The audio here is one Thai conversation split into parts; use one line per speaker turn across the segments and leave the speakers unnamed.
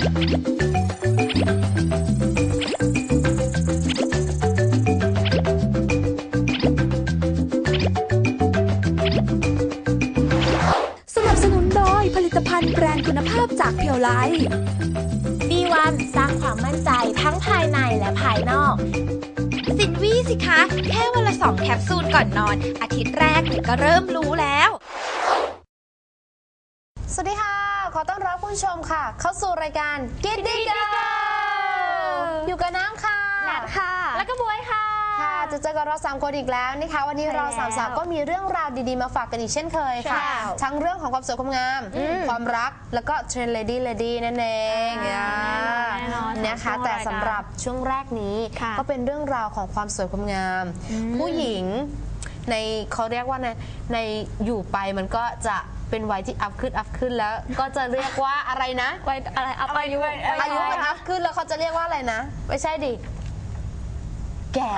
สนับสนุนโดยผลิตภัณฑ์แบรนด์คุณภาพจากเพียวไลท์
B1 สร้างความมั่นใจทั้งภายในและภายนอกสินวี่สิคะแค่วันละ2 แคปซูลก่อนนอนอาทิตย์แรกก็เริ่มรู้แล้ว
สวัสดีค่ะขอต้อนรับคุณผู้ชมค่ะเข้าสู่รายการกินดีกันอยู่กับน้ำค่ะ
นัดค่ะแล้วก็บวยค่ะ
จะเจอกับเรา3 คนอีกแล้วนะคะวันนี้เรา3 สาวก็มีเรื่องราวดีๆมาฝากกันอีกเช่นเคยค่ะทั้งเรื่องของความสวยความงามความรักแล้วก็เทรนด์เลดี้นั่นเองนะคะแต่สำหรับช่วงแรกนี้ก็เป็นเรื่องราวของความสวยความงามผู้หญิงในเขาเรียกว่าในอยู่ไปมันก็จะเป็นวัยที่อัพขึ้นแล้วก็จะเรียกว่าอะไรนะ
วัยอะไรอายุ
มันอัพขึ้นแล้วเขาจะเรียกว่าอะไรนะไม่ใช่ดิแก่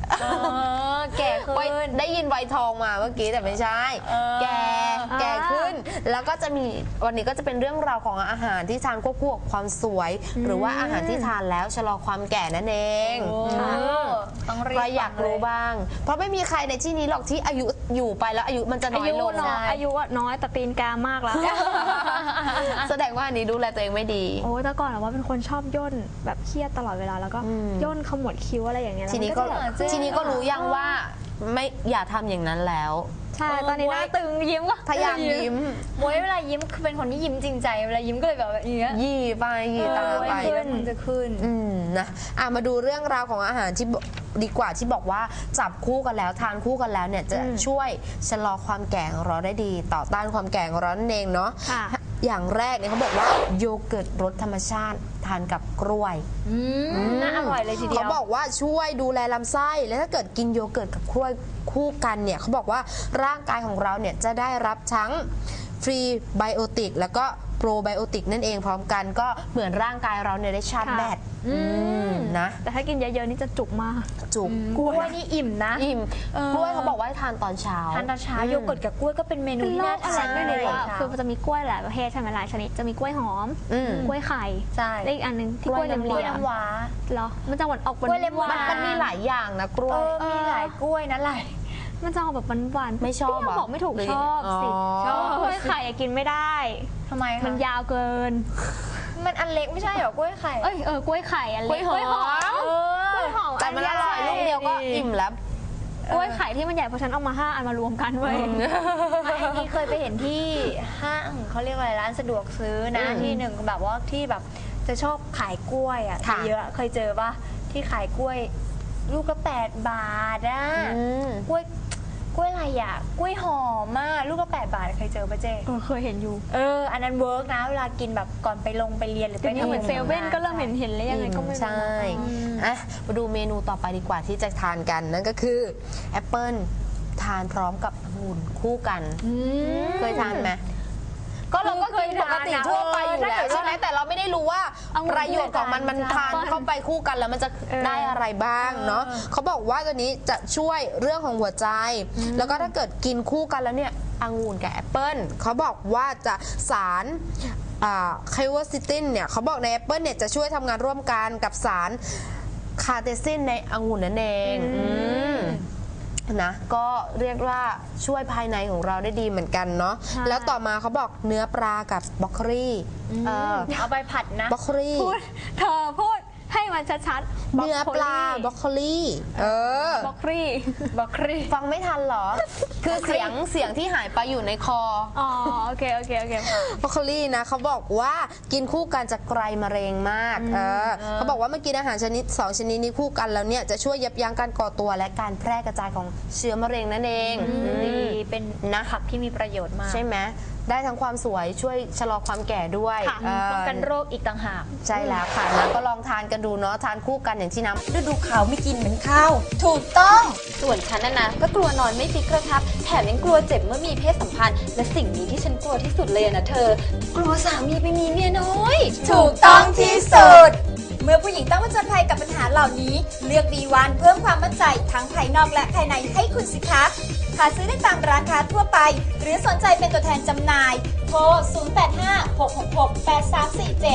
ขึ้นได้ยินวัยทองมาเมื่อกี้แต่ไม่ใช่แก่ขึ้นแล้วก็จะมีวันนี้ก็จะเป็นเรื่องราวของอาหารที่ทานควบคู่กับความสวยหรือว่าอาหารที่ทานแล้วชะลอความแก่นั่นเอง
ต้อง
ใครอยากรู้บ้างเพราะไม่มีใครในที่นี้หรอกที่อายุอยู่ไปแล้วอายุมันจะน้อยลง
อายุน้อยแต่ตีนกามากแล้ว
แสดงว่าอันนี้ดูแลตัวเองไม่ดี
โอ้แต่ก่อนว่าเป็นคนชอบย่นแบบเครียดตลอดเวลาแล้วก็ย่นขมวดคิ้วอะไรอย่างเงี้ย
ทีนี้ก็รู้ยังว่าไม่อย่าทำอย่างนั้นแล้ว
ใช่ตอนนี้หน้าตึงยิ้มก็
พยายามยิ้ม
มวยเวลายิ้มคือเป็นคนที่ยิ้มจริงใจเวลายิ้มก็เลยแบบอย่างเงี้ย
ยี่ไปยี่ตาไป
แล้วมันจะขึ้น
นะมาดูเรื่องราวของอาหารที่ดีกว่าที่บอกว่าจับคู่กันแล้วทานคู่กันแล้วเนี่ยจะช่วยชะลอความแก่ของเราได้ดีต่อต้านความแก่ของเรานั่นเองเนาะอย่างแรกเนี่ยเขาบอกว่าโยเกิร์ตรสธรรมชาติทานกับกล้วย
น่าอร่อยเลยทีเดียว
เขาบอกว่าช่วยดูแลลำไส้และถ้าเกิดกินโยเกิร์ตกับกล้วยคู่กันเนี่ยเขาบอกว่าร่างกายของเราเนี่ยจะได้รับทั้งฟรีไบโอติกแล้วก็โปรไบโอติกนั่นเองพร้อมกันก็เหมือนร่างกายเราเนี่ยได้ชาร์จแบตนะ
แต่ถ้ากินเยอะๆนี่จะจุกมาก
จุก
กล้วยนี่อิ่มนะ
อิ่มกล้วยเขาบอกว่าให้ทานตอนเช้า
โยเกิร์ตกับกล้วยก็เป็นเมนูที่น่าทาน
ไม่เลยคือมันจะมีกล้วยหลายประเภทใช่ไหมหลายชนิดจะมีกล้วยหอมกล้วยไข่และอีกอันนึงที่กล้วยน้
ำว้า
เหรอมันจะหวานออกหวาน
มันมีหลายอย่างนะกล้วย
มีหลายกล้วยนะหลาย
มันจะออกแบบหวาน
ไม่ชอบ
บอกไม่ถูกชอบสิชอบกล้วยไข่กินไม่ได้
ทำไม
มันยาวเกิน
มันอันเล็กไม่ใช่หรอกล้วยไข่
กล้วยไข่อันเล็ก
กล้วยหอมแต่มันอร่อยลูกเดียวก็อิ่มแล้ว
กล้วยไข่ที่มันใหญ่เพราะฉันเอามา5 อันมารวมกันไว้
อันนี้เคยไปเห็นที่ห้างเขาเรียกอะไรร้านสะดวกซื้อนะที่หนึ่งแบบว่าที่แบบจะชอบขายกล้วยอ่ะเยอะเคยเจอป่ะที่ขายกล้วยลูกละ8 บาทอ่ะกล้วยอะไรอ่ะกล้วยหอมมากลูกละ8 บาทเคยเจอป่ะเจ๊
เคยเห็นอยู่
อันนั้นเวิร์กนะเวลากินแบบก่อนไปเรียนหรือไป
ทำเหมือนเซเว่นก็เริ่มเห็นเลยยังไงก็ไม่รู้
ใช่มาดูเมนูต่อไปดีกว่าที่จะทานกันนั่นก็คือแอปเปิ้ลทานพร้อมกับองุ่นคู่กันเคยทานไหมก็เราก็กินปกติทั่วไปอยู่แล้วใช่ไหมแต่เราไม่ได้รู้ว่าประโยชน์ของมันทานเข้าไปคู่กันแล้วมันจะได้อะไรบ้างเนาะเขาบอกว่าตัวนี้จะช่วยเรื่องของหัวใจแล้วก็ถ้าเกิดกินคู่กันแล้วเนี่ยองุ่นกับแอปเปิ้ลเขาบอกว่าจะสารไคโวซิตินเนี่ยเขาบอกในแอปเปิ้ลเนี่ยจะช่วยทำงานร่วมกันกับสารคาเทซินในองุ่นนั่นเองนะก็เรียกว่าช่วยภายในของเราได้ดีเหมือนกันเนาะแล้วต่อมาเขาบอกเนื้อปลากับบรอกโคลี
เอาไปผัดนะ
บรอกโคลี
เธอพูดให้มันชัด
ๆเนื้อปลาบรอกโคลี
บรอกโคลี
ฟังไม่ทันเหรอคือเสียงที่หายไปอยู่ในคอ
โอเค
บรอกโคลีนะเขาบอกว่ากินคู่กันจะไกลมะเร็งมากเขาบอกว่าเมื่อกินอาหารชนิด2 ชนิดนี้คู่กันแล้วเนี่ยจะช่วยยับยั้งการก่อตัวและการแพร่กระจายของเชื้อมะเร็งนั่นเอง
เป็นผักที่มีประโยชน์มาก
ใช่ไหมได้ทั้งความสวยช่วยชะลอความแก่ด้วย
ป้องกันโรคอีกต่างหาก
ใช่แล้วค่ะนะก็ลองทานกันดูเนาะทานคู่กันอย่างที่น้ำ
ฤดูขาวไม่กินเหมือนข้าวถูกต้องส่วนฉันนะก็กลัวนอนไม่ฟิกกระทับแถมยังกลัวเจ็บเมื่อมีเพศสัมพันธ์และสิ่งนี้ที่ฉันกลัวที่สุดเลยนะเธอกลัวสามีไปมีเมียน้อย
ถูกต้องที่สุดเมื่อผู้หญิงต้องผจญภัยกับปัญหาเหล่านี้เลือก B1 เพิ่มความมั่นใจทั้งภายนอกและภายในให้คุณสิคะหาซื้อได้ตามร้านค้าทั่วไปหรือสนใจเป็นตัวแทนจำหน่ายโทร 0856668347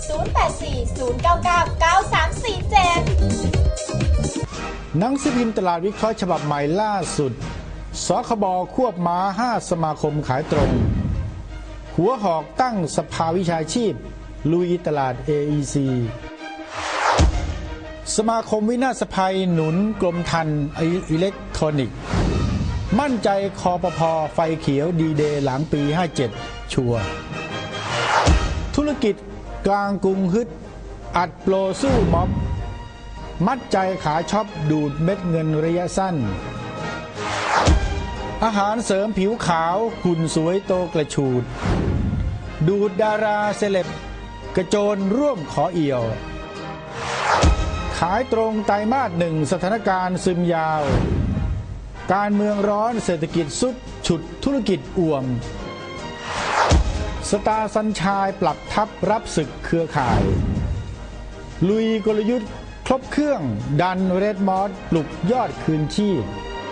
084-099-9347
หนังสือพิมพ์ตลาดวิเคราะห์ฉบับใหม่ล่าสุดสคบควบม้า5 สมาคมขายตรง หัวหอกตั้งสภาวิชาชีพลุยตลาด AEC สมาคมวินาศภัยหนุนกรมธรรม์อิเล็กทรอนิกส์มั่นใจคอปพไฟเขียวดีเดย์หลังปี 57 ชัวร์ธุรกิจกลางกรุงฮึดอัดโปรสู้ม็อบมัดใจขาช็อปดูดเม็ดเงินระยะสั้นอาหารเสริมผิวขาวหุ่นสวยโตกระชูดดูดดาราเซเลบกระโจนร่วมขอเอี่ยวขายตรงไตรมาส 1สถานการณ์ซึมยาวการเมืองร้อนเศรษฐกิจสุดฉุดธุรกิจอ่วมสตาร์สัญชายปรับทับรับศึกเครือข่ายลุยกลยุทธ์ครบเครื่องดันเรดมอสปลุกยอดคืนชีพ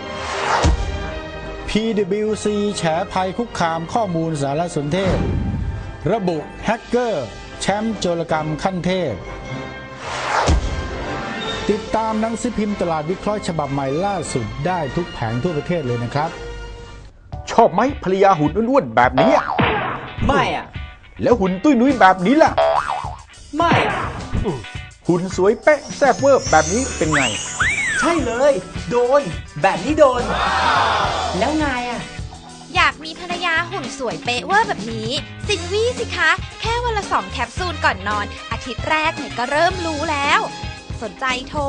PwC แฉภัยคุกคามข้อมูลสารสนเทศระบุแฮกเกอร์แชมป์โจรกรรมขั้นเทพติดตามหนังสือพิมพ์ตลาดวิเคราะห์ฉบับใหม่ล่าสุดได้ทุกแผงทั่วประเทศเลยนะครับชอบไหมภรรยาหุ่นอ้วนๆแบบนี้
ไม่อ่ะ
แล้วหุ่นตุ้ยนุ้ยแบบนี้ล่ะ
ไม่
หุ่นสวยเป๊ะแซ่บเวอร์แบบนี้เป็นไง
ใช่เลยโดนแบบนี้โดนแล้วไงอ่ะ
อยากมีภรรยาหุ่นสวยเป๊ะเวอร์แบบนี้สินวี่สิคะแค่วันละ2 แคปซูลก่อนนอนอาทิตย์แรกเนี่ยก็เริ่มรู้แล้วสนใจโทร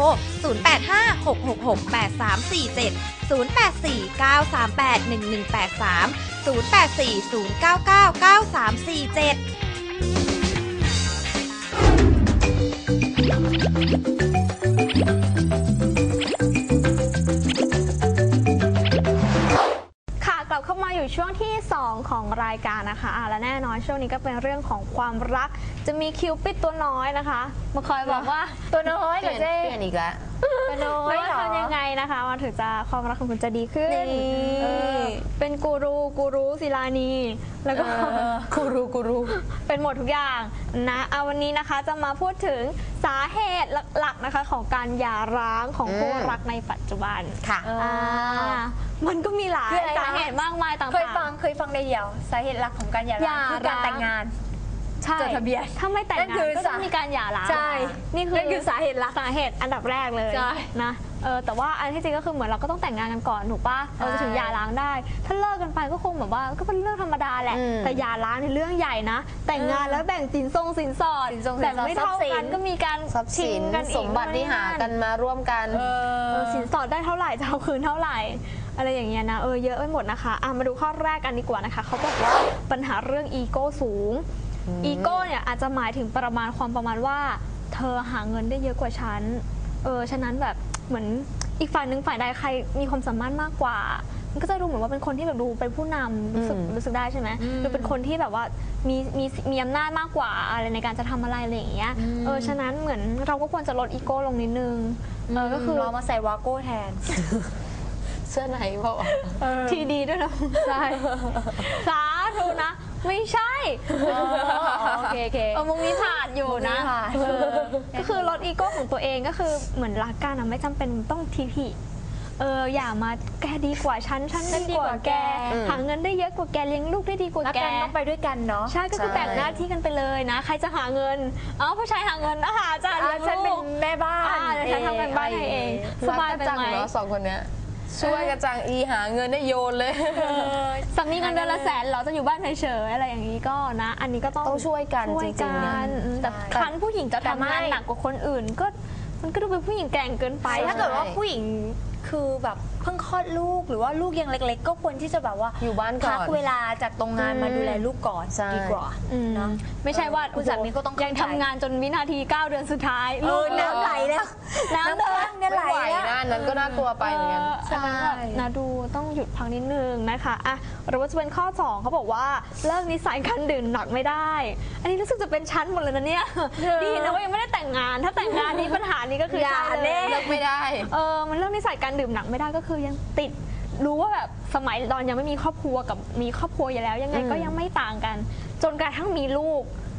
เข้ามาอยู่ช่วงที่ 2 ของรายการนะคะและแน่นอนช่วงนี้ก็เป็นเรื่องของความรักจะมีคิวปิดตัวน้อยนะคะมาคอยบอกว่า
ตัวน้อยเหรอเจ๊
เปลี่ยนอีกแล้ว
ตัวน้อยเหรอ
ทำยังไงนะคะมันถึงจะความรักของคุณจะดีขึ้นเป็นกูรูศิลานีแล้วก็
กูรู
เป็นหมดทุกอย่างนะวันนี้นะคะจะมาพูดถึงสาเหตุหลักๆนะคะของการหย่าร้างของคู่รักในปัจจุบัน
ค่ะ
มันก็มีหลายสาเหตุมากมายต่างๆ
เคยฟังในเดี่ยวสาเหตุหลักของการหย่าร้างคือการแต่งงานจดทะเบียน
ถ้าไม่แต่งงานก็ต้องมีการหย่าร้าง
ใช่นี่คือสาเหตุหลัก
สาเหตุอันดับแรกเลยนะแต่ว่าอันที่จริงก็คือเหมือนเราก็ต้องแต่งงานกันก่อนถูกป่ะจะถึงหย่าร้างได้ถ้าเลิกกันไปก็คงแบบว่าก็เป็นเรื่องธรรมดาแหละแต่หย่าร้างในเรื่องใหญ่นะแต่งงานแล้วแบ่งสินสอดแต่ไม่เท่ากันก็มีการ
ทรัพย์สินสมบัติที่หากันมาร่วมกัน
สินสอดได้เท่าไหร่จะเอาคืนเท่าไหร่อะไรอย่างเงี้ยนะเยอะไปหมดนะคะมาดูข้อแรกกันดีกว่านะคะเขาบอกว่าปัญหาเรื่องอีโก้สูงอีโก้เนี่ยอาจจะหมายถึงประมาณว่าเธอหาเงินได้เยอะกว่าฉันฉะนั้นแบบเหมือนอีกฝ่ายหนึ่งฝ่ายใดใครมีความสามารถมากกว่ามันก็จะดูเหมือนว่าเป็นคนที่แบบดูเป็นผู้นำรู้สึกได้ใช่ไหมดูเป็นคนที่แบบว่ามีอำนาจมากกว่าอะไรในการจะทำอะไรอะไรอย่างเงี้ยฉะนั้นเหมือนเราก็ควรจะลดอีโก้ลงนิดนึง
ก็คือเรามาใส่วาโก้แทน
เสื้อไหนเปล่า
ทีดีด้วยนะใช่สาธุนะไม่ใช่
โอเค
มุมนี้ผ่านอยู่นะก็คือลดอีโก้ของตัวเองก็คือเหมือนรักกันไม่จำเป็นต้องทีอย่ามาแกดีกว่าฉันดีกว่าแกหาเงินได้เยอะกว่าแกเลี้ยงลูกได้ดีกว่าแก
ต้องไปด้วยกันเนาะ
ใช่ก็คือแบ่งหน้าที่กันไปเลยนะใครจะหาเงินผู้ชายหาเงินจ้ะ
ฉันเป็นแม่บ้าน
ฉันทำเป็นบ้านให้เองสบายไปไหม
สองคนเนี้ยช่วยกระจังหาเงินได้โยนเลย
สามีเงินเดือนละ100,000เหรอจะอยู่บ้านเฉยๆอะไรอย่างนี้ก็นะอันนี้ก็ต้อง
ช่วยกันจริง
ๆแต่ครั้นผู้หญิงจะทำงานหนักกว่าคนอื่นก็มันก็ดูเป็นผู้หญิงแกร่งเกินไป
ถ้าเกิดว่าผู้หญิงคือแบบเพิ่งคลอดลูกหรือว่าลูกยังเล็กๆก็ควรที่จะแบบว่า
อยู่บ้านก่อน
พักเวลาจากตรงงานมาดูแลลูกก่อนดีกว่า
นะไม่ใช่ว่า
คุณสามีก็ต้อง
ยังทำงานจนวินาที9 เดือนสุดท้าย
ลูกน้ำไหลแล้ว
น้ำเดิน
ไหลแล้วนั้นก็น่ากลัวไปเหมือนกัน
ใช่นะดูต้องหยุดพักนิดนึงนะคะหรือว่าจะเป็นข้อ2เขาบอกว่าเลิกนิสัยการดื่มหนักไม่ได้อันนี้รู้สึกจะเป็นชั้นหมดเลยนะเนี่ยดีนะว่ายังไม่ได้แต่งงานถ้าแต่งงานนี้ปัญหานี้ก็คือ
ใช่เลยเลิกไม่ได้
มันเลิกนิสัยการดื่มหนักไม่ได้ก็คือยังติดรู้ว่าแบบสมัยตอนยังไม่มีครอบครัวกับมีครอบครัวอยู่แล้วยังไงก็ยังไม่ต่างกันจนกระทั่งมีลูก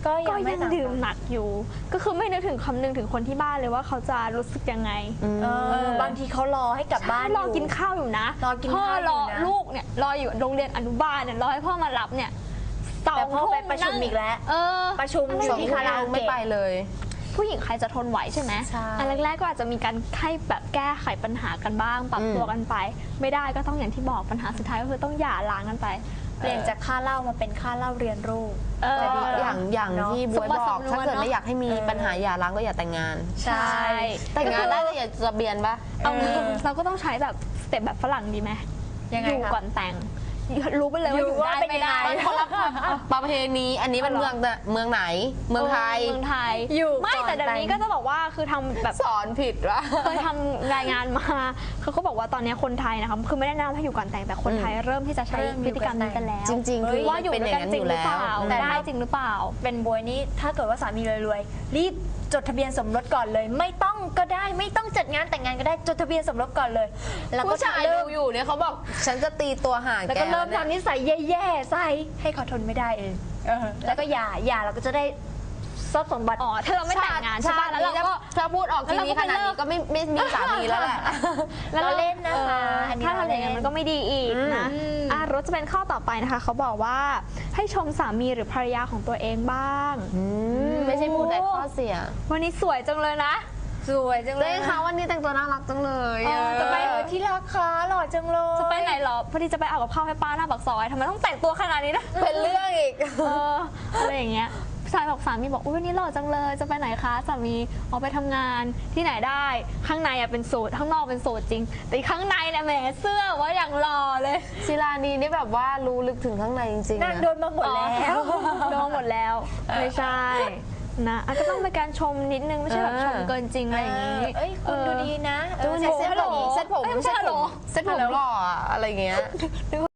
ก็
ก็
ยังไม่
ยัง
ต่าง
ดื่มหนักอยู่ ก็คือไม่นึกถึงคำนึงถึงคนที่บ้านเลยว่าเขาจะรู้สึกยังไง
บางทีเขารอให้กลับบ้าน
รอกินข้าวอยู่นะ
รอกิน
พ่อ
ข้าวอยู่นะ
รอลูกเนี่ยรออยู่โรงเรียนอนุบาลเนี่ยรอให้พ่อมารับเนี่ย
แต่พ่อไป
2
ประชุมอีกแล้ว ประชุมอ
ส
ยู่
อง
ที่
ค
คาน ราโอ
ไม่
เกะ
ไปเลย
ผู้หญิงใครจะทนไหวใช่ไหม
ใช่
อันแรกๆก็อาจจะมีการให้แบบแก้ไขปัญหากันบ้างปรับตัวกันไป ไม่ได้ก็ต้องอย่างที่บอกปัญหาสุดท้ายก็คือต้องหย่าร้างกันไป
เปลี่ยนจากค่าเหล้ามาเป็นค่าเหล้าเรียนรู้
แต่ดีอย่าง
เนอะ
ที่บวยบอก ถ้าเกิดไม่อยากให้มีปัญหาหย่าร้างก็อย่าแต่งงาน
ใช่
แต่งงานได้แต่อย่าจะเบียนปะ
เอางี้เราก็ต้องใช้แบบสเต็ปแบบฝรั่งดีไหม
ยังไง
อยู่
คะ
ก่อนแต่ง รู้ไปเลยว่าอยู่ได้ไม่ได้
มันคนละประเพณีอันนี้เป็นเมืองไหน เมืองไทย
เมืองไทย
อยู่
ไม่
ก่อน
แต่เดี๋ยวนี้
แต่ง
ก็จะบอกว่าคือทำแบบ
สอนผิดวะ
เคยทำรายงานมาเขาก็บอกว่าตอนนี้คนไทยนะคะคือไม่ได้แนะนำให้อยู่ก่อนแต่งแต่คนไทยเริ่มที่จะใช้พฤติกรรมนี้กันแล้ว
จริงๆคือ
ว่าอยู่
เป็น
ด้
อ
วย
ย่าง
กัน
นั้น
จ
อ
ริง
ยู่
หรือ
แล้
เป
ว
ล่า
แต่
ได้จริงหรือเปล่า
เป็นบวยนี้ถ้าเกิดว่าสามีรวยๆรีบจดทะเบียนสมรสก่อนเลย ไม่ต้องก็ได้ไม่ต้องจัดงานแต่งงานก็ได้จดทะเบียนสมรสก่อนเลย แล้วก็
ผู้ชาย
เริ่
ดู
ม
อยู่เนี่ยเขาบอกฉันจะตีตัวห่าง
แล้ว
แก
ก็เริ่ม
เนี่ย
ทำนิสัยแย่ๆใส่ให้เขาทนไม่ได้เองแล้วก็หย่าเราก็จะได้ทรัพย์สมบัติ
อ๋อถ้าเราไม่แต่งงานใช่ป่ะแล้วเราก็
ถ้าพูดออกทีนี้ขนาดนี้ก็ไม่มีสามีแล้วแหละ
เราเล่นนะคะ
อันนี้ถ้าทำอย่างนั้นมันก็ไม่ดีอีกนะรถจะเป็นข้อต่อไปนะคะเขาบอกว่าให้ชมสามีหรือภรรยาของตัวเองบ้าง
ไม่ใช่พูดแต่ข้อเสีย
วันนี้สวยจังเลยนะ
สวยจังเล
เล่
ย
นเขาวันนี้แต่งตัวน่ารักจังเลย
จะไปที่รักคะหล่อจังเลย
จะไปไหนเหรอพอดีจะไปเอากับข้าวให้ป้าหน้าปากซอยทำไมต้องแต่งตัวขนาดนี้นะ
เป็นเรื่องอีก
อะไรอย่างเงี้ยผู้ชายบอกสามีบอกอุ้ยวันนี้หล่อจังเลยจะไปไหนคะสามีออกไปทำงานที่ไหนได้ข้างในอะเป็นสูทข้างนอกเป็นสูทจริง แต่ข้างในเนี่ยแหมเสื้อว่าอย่างหล่อเลย
ศิลานีนี่แบบว่ารู้ลึกถึงข้างในจริงๆ
นั่
นะ
นโดนมาหมดแล้ว
โดนหมดแล้วไม่ใช่นะก็ต้องเป็นการชมนิดนึงไม่ใช่แบบชมเกินจริงอะไรอย่างงี้
เอ้ยคุณดูดีนะ
ดูสิเซ็ตผม
เอ้ยไม่ใช่
เซ็ตผมหล่ออะอะไรเงี้ย